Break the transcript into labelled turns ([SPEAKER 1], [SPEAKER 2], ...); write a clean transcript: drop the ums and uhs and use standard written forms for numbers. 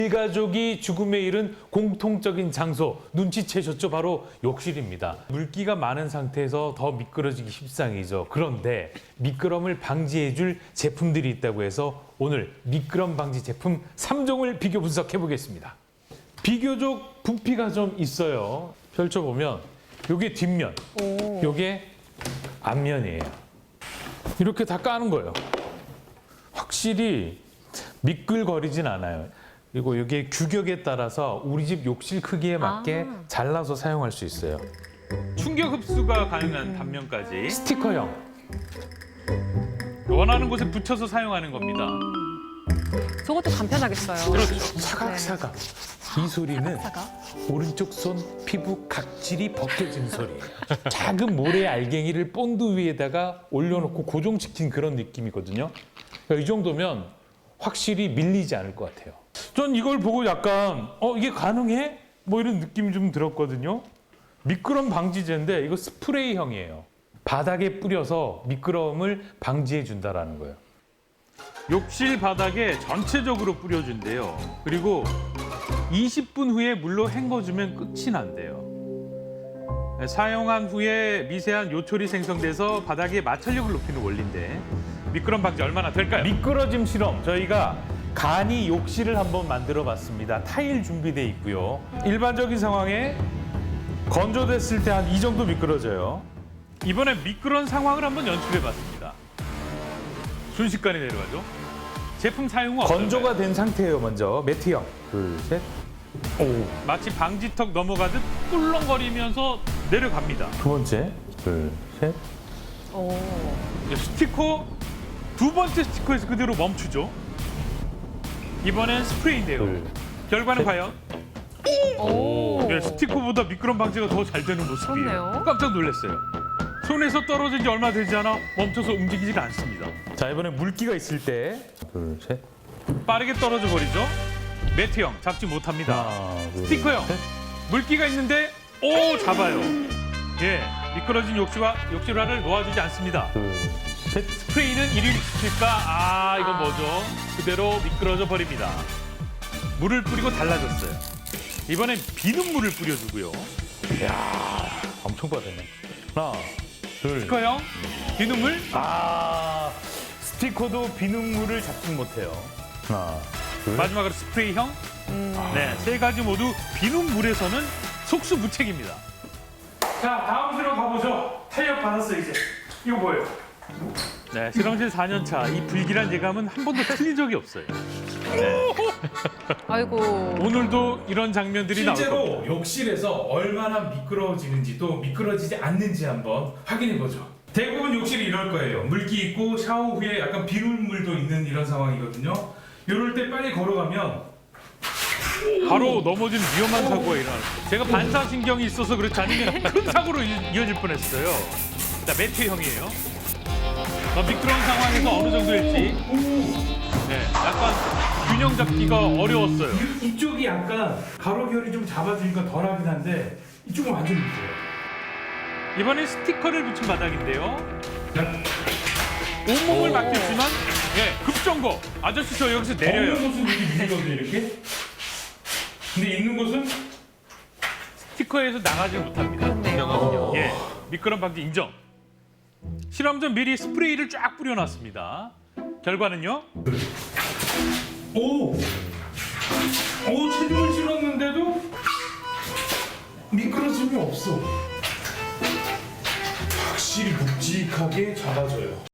[SPEAKER 1] 일가족이 죽음에 이른 공통적인 장소 눈치채셨죠? 바로 욕실입니다. 물기가 많은 상태에서 더 미끄러지기 십상이죠. 그런데 미끄럼을 방지해줄 제품들이 있다고 해서 오늘 미끄럼 방지 제품 3종을 비교 분석해 보겠습니다. 비교적 부피가 좀 있어요. 펼쳐보면 요게 뒷면, 요게 앞면이에요. 이렇게 다 까는 거예요. 확실히 미끌거리진 않아요. 그리고 이게 규격에 따라서 우리 집 욕실 크기에 맞게 잘라서 사용할 수 있어요.
[SPEAKER 2] 충격 흡수가 가능한 단면까지
[SPEAKER 1] 스티커형.
[SPEAKER 2] 원하는 곳에 붙여서 사용하는 겁니다.
[SPEAKER 3] 저것도 간편하겠어요.
[SPEAKER 2] 그렇죠.
[SPEAKER 1] 사각사각. 이 소리는 오른쪽 손 피부 각질이 벗겨진 소리예요. 작은 모래 알갱이를 본드 위에다가 올려놓고 고정시킨 그런 느낌이거든요. 그러니까 이 정도면 확실히 밀리지 않을 것 같아요. 전 이걸 보고 약간 이게 가능해? 뭐 이런 느낌이 좀 들었거든요. 미끄럼 방지제인데 이거 스프레이형이에요. 바닥에 뿌려서 미끄럼을 방지해 준다라는 거예요.
[SPEAKER 2] 욕실 바닥에 전체적으로 뿌려준대요. 그리고 20분 후에 물로 헹궈주면 끝이 난대요. 사용한 후에 미세한 요철이 생성돼서 바닥에 마찰력을 높이는 원리인데 미끄럼 방지 얼마나 될까요?
[SPEAKER 1] 미끄러짐 실험 저희가 간이 욕실을 한번 만들어 봤습니다. 타일 준비돼 있고요. 일반적인 상황에 건조됐을 때 한 이 정도 미끄러져요.
[SPEAKER 2] 이번엔 미끄러운 상황을 한번 연출해봤습니다. 순식간에 내려가죠. 제품 사용 후
[SPEAKER 1] 건조가 된 상태예요. 먼저 매트형 둘, 셋. 오.
[SPEAKER 2] 마치 방지턱 넘어가듯 꿀렁거리면서 내려갑니다.
[SPEAKER 1] 두 번째 둘, 셋.
[SPEAKER 3] 오.
[SPEAKER 2] 스티커 두 번째 스티커에서 그대로 멈추죠. 이번엔 스프레이인데요.
[SPEAKER 1] 둘,
[SPEAKER 2] 결과는
[SPEAKER 1] 셋.
[SPEAKER 2] 과연?
[SPEAKER 3] 오.
[SPEAKER 2] 네, 스티커보다 미끄럼 방지가 더 잘 되는 모습이에요.
[SPEAKER 3] 그렇네요.
[SPEAKER 2] 깜짝 놀랐어요. 손에서 떨어진 지 얼마 되지 않아 멈춰서 움직이질 않습니다.
[SPEAKER 1] 자 이번에 물기가 있을 때 둘, 셋.
[SPEAKER 2] 빠르게 떨어져 버리죠. 매트형 잡지 못합니다.
[SPEAKER 1] 하나, 둘,
[SPEAKER 2] 스티커형
[SPEAKER 1] 셋.
[SPEAKER 2] 물기가 있는데 오 잡아요. 예, 미끄러진 욕실화를 놓아주지 않습니다.
[SPEAKER 1] 둘, 셋.
[SPEAKER 2] 스프레이는 1위를 지킬까? 이건 뭐죠? 그대로 미끄러져 버립니다. 물을 뿌리고 달라졌어요. 이번엔 비눗물을 뿌려주고요.
[SPEAKER 1] 엄청 빠르네. 하나, 둘.
[SPEAKER 2] 스티커형 비눗물
[SPEAKER 1] 스티커도 비눗물을 잡지 못해요. 하나, 둘.
[SPEAKER 2] 마지막으로 스프레이형 네, 세 가지 모두 비눗물에서는 속수무책입니다. 자, 다음 실험 가보죠. 탄력 받았어 이제. 이거 뭐예요? 네, 실험실 4년 차. 이 불길한 예감은 한 번도 틀린 적이 없어요. 네,
[SPEAKER 3] 아이고.
[SPEAKER 2] 오늘도 이런 장면들이 나올 겁니다.
[SPEAKER 1] 실제로 욕실에서 얼마나 미끄러워지는지 또 미끄러지지 않는지 한번 확인해보죠. 대부분 욕실이 이럴 거예요. 물기 있고 샤워 후에 약간 비눗물도 있는 이런 상황이거든요. 이럴 때 빨리 걸어가면
[SPEAKER 2] 바로 넘어지는 위험한 사고가 일어나요. 제가 반사신경이 있어서 그렇지 않으면 큰 사고로 이어질 뻔했어요. 자, 매트형이에요. 미끄러운 상황에서 어느 정도일지 네, 약간 균형 잡기가 어려웠어요.
[SPEAKER 1] 이쪽이 약간 가로결이 좀 잡아주니까 덜하긴 한데 이쪽은 완전 밑이에요.
[SPEAKER 2] 이번엔 스티커를 붙인 바닥인데요. 온몸을 맡겼지만 예, 급정거. 아저씨 저 여기서 내려요.
[SPEAKER 1] 없는 곳은 여기 밀거든요 이렇게. 근데 있는 곳은
[SPEAKER 2] 스티커에서 나가지 못합니다.
[SPEAKER 3] 그렇네요.
[SPEAKER 2] 예, 미끄럼 방지 인정. 실험 전 미리 스프레이를 쫙 뿌려놨습니다. 결과는요?
[SPEAKER 1] 오, 체중을 실었는데도 미끄러짐이 없어. 확실히 묵직하게 잡아줘요.